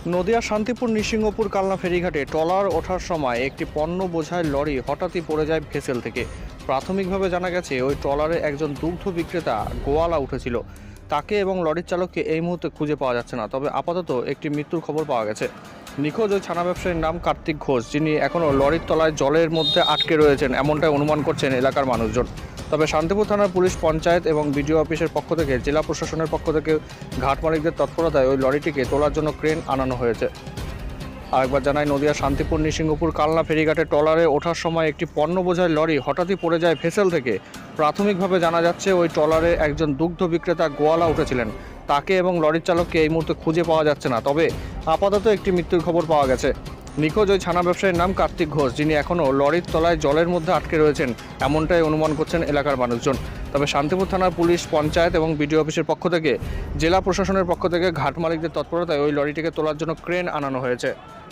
নদিয়া শান্তিপুর নৃসিংহপুর কালনা ফেরিঘাটে ট্রলার ওঠার সময় একটি পণ্য বোঝাই লরি হঠাৎই পড়ে যায় ভেসেল থেকে। প্রাথমিকভাবে জানা গেছে ওই ট্রলারে একজন দুগ্ধ বিক্রেতা গোয়ালা উঠেছিল। তাকে এবং লরির চালককে এই মুহূর্তে খুঁজে পাওয়া যাচ্ছে না, তবে আপাতত একটি মৃত্যুর খবর পাওয়া গেছে। নিখোঁজ ওই ছানা ব্যবসায়ীর নাম কার্তিক ঘোষ, যিনি এখনও লরির তলায় জলের মধ্যে আটকে রয়েছেন এমনটাই অনুমান করছেন এলাকার মানুষজন। তবে শান্তিপুর থানার পুলিশ, পঞ্চায়েত এবং বিডিও অফিসের পক্ষ থেকে, জেলা প্রশাসনের পক্ষ থেকে ঘাট মালিকদের তৎপরতায় ওই লরিটিকে তোলার জন্য ক্রেন আনানো হয়েছে। আরেকবার জানাই, নদিয়া শান্তিপুর নৃসিংহপুর কালনা ফেরিঘাটে ট্রলারে ওঠার সময় একটি পণ্য বোঝাই লরি হঠাৎই পড়ে যায় ভেসেল থেকে। প্রাথমিকভাবে জানা যাচ্ছে ওই ট্রলারে একজন দুগ্ধ বিক্রেতা গোয়ালা উঠেছিলেন। তাকে এবং লরির চালককে এই মুহূর্তে খুঁজে পাওয়া যাচ্ছে না, তবে আপাতত একটি মৃত্যুর খবর পাওয়া গেছে। নিখোঁজ ওই ছানা ব্যবসায়ীর নাম কার্তিক ঘোষ, যিনি এখনও লরির তলায় জলের মধ্যে আটকে রয়েছেন এমনটাই অনুমান করছেন এলাকার মানুষজন। তবে শান্তিপুর থানার পুলিশ, পঞ্চায়েত এবং বিডিও অফিসের পক্ষ থেকে, জেলা প্রশাসনের পক্ষ থেকে ঘাট মালিকদের তৎপরতায় ওই লরিটিকে তোলার জন্য ক্রেন আনানো হয়েছে।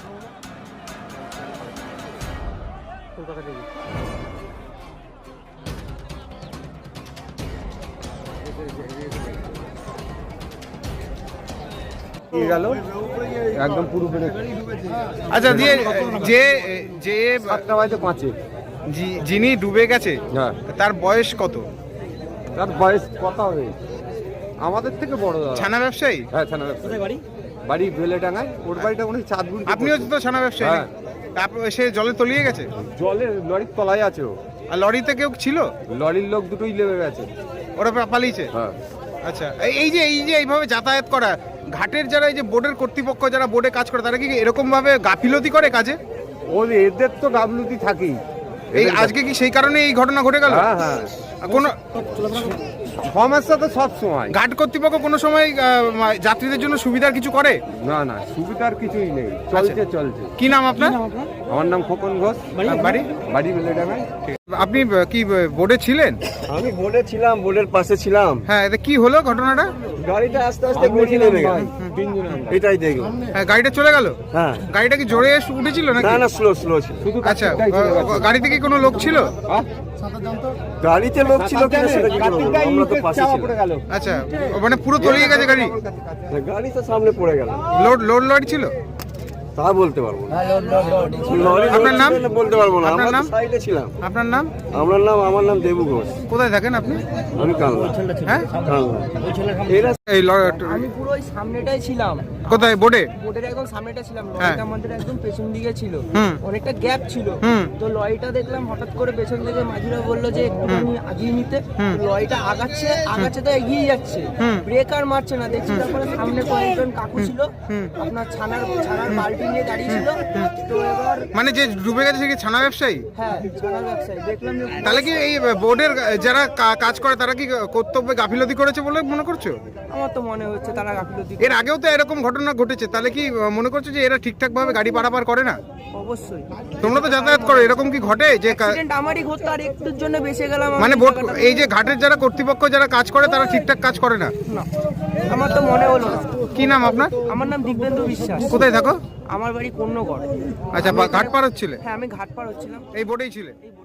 একদম পুরো আচ্ছা, দিয়ে যে যে 7:05 যিনি ডুবে গেছে, হ্যাঁ, তার বয়স কত? তার বয়স কত হবে? আমাদের থেকে বড় দাদা। ছানা ব্যবসায়ী? হ্যাঁ, ছানা ব্যবসায়ী। বাড়ি বেলেডাঙ্গায়। ওর বাড়িটা মনে হয় চাঁদগুড়ি। আপনিও তো ছানা ব্যবসায়ী? হ্যাঁ। তারপর সে জলে তলিয়ে গেছে? জলের লরির তলায় আছে ও। আর লরিতে কেউ ছিল? লরির লোক দুটোই লেবে গেছে। ওরা পালিয়েছে? হ্যাঁ। আচ্ছা, এই যে এইভাবে যাতায়াত করা, ঘাটের যারা এই যে বোর্ডের কর্তৃপক্ষ যারা বোর্ডে কাজ করে, তারা কি এরকম ভাবে গাফিলতি করে কাজে? এদের তো গাফলতি থাকেই। এই আজকে কি সেই কারণে এই ঘটনা ঘটে গেল? হ্যাঁ হ্যাঁ, কোন সমস্যা তো সব সময়। ঘাট কর্তৃপক্ষ কোনো সময় যাত্রীদের জন্য সুবিধার কিছু করে? না না, সুবিধার কিছুই নেই, চলছে। কি নাম আপনার? আমার নাম খোকন ঘোষ। বাড়ি বেলেডাঙ্গায়। আপনি কি বোর্ডে ছিলেন? আমি বোর্ডে ছিলাম, বোর্ডের পাশে ছিলাম। হ্যাঁ, এটা কি হলো ঘটনাটা? গাড়িটা আস্তে আস্তে গড়িয়ে নেমে গেল, এটাই দেখলাম। হ্যাঁ, গাড়িটা চলে গেল? হ্যাঁ। গাড়িটা কি জোরে উঠেছিল নাকি? না না, স্লো ছিল। আচ্ছা, গাড়িতে কি কোনো লোক ছিল? গাড়িতে লোক ছিল কিনা সেটা কি বলবো, আমরা তো পাশে ছিলাম। আচ্ছা, মানে পুরো তলিয়ে গেছে গাড়ি? গাড়ি তো সামনে পড়ে গেল। লোড লরি ছিল? তা বলতে পারবো না। আপনার নাম? বলতে পারবো না, আপনার আমরা নাম? সাইডে ছিলাম। আপনার নাম? আমার নাম দেবু ঘোষ। কোথায় থাকেন আপনি? আমি কালনা। হ্যাঁ, কালনা। আমি পুরো ওই সামনেটাই ছিলাম। কোথায়? বোর্ডে? বোর্ডের একদম সামনেটা ছিলাম। হ্যাঁ। লরিটা আমাদের একদম পেছন দিকে ছিল, হুম। অনেকটা গ্যাপ ছিল। তো লরিটা দেখলাম হঠাৎ করে পেছন থেকে মাঝিরা বললো যে একটুখানি আগিয়ে নিতে। লরিটা আগাচ্ছে তো এগিয়ে যাচ্ছে, ব্রেক আর মারছে না। দেখছি তারপরে সামনে কয়েকজন কাকু ছিল, আপনার ছানার বালতি নিয়ে দাঁড়িয়ে ছিল। তো এবার মানে যে ডুবে গেছে সে কি ছানা ব্যবসায়ী? হ্যাঁ, ছানার ব্যবসায়ী দেখলাম যে তাহলে কি এই বোর্ডের যারা কাজ করে তারা কি কর্তব্যে গাফিলতি করেছে বলে মনে করছো? আমার তো মনে হচ্ছে তারা গাফিলতি। এর আগেও তো এরকম ঘটনা ঘটেছে, তাহলে কি মনে করছো যে এরা ঠিকঠাক ভাবে গাড়ি পারাপার করে না? অবশ্যই। তোমরা তো যাতায়াত করো, এরকম কি ঘটে যে অ্যাক্সিডেন্ট আমারই ঘটতো, আর একটুর জন্য বেঁচে গেলাম। মানে বোর্ড, এই যে ঘাটের যারা কর্তৃপক্ষ যারা কাজ করে তারা ঠিকঠাক কাজ করে না? না, আমার তো মনে হলো না। কি নাম আপনার? আমার নাম দিব্যেন্দু বিশ্বাস। কোথায় থাকো? আমার বাড়ি কন্যগড়। আচ্ছা, ঘাট পার হচ্ছিলে? হ্যাঁ, আমি ঘাট পার হচ্ছিলাম। এই বোর্ডেই ছিলে? এই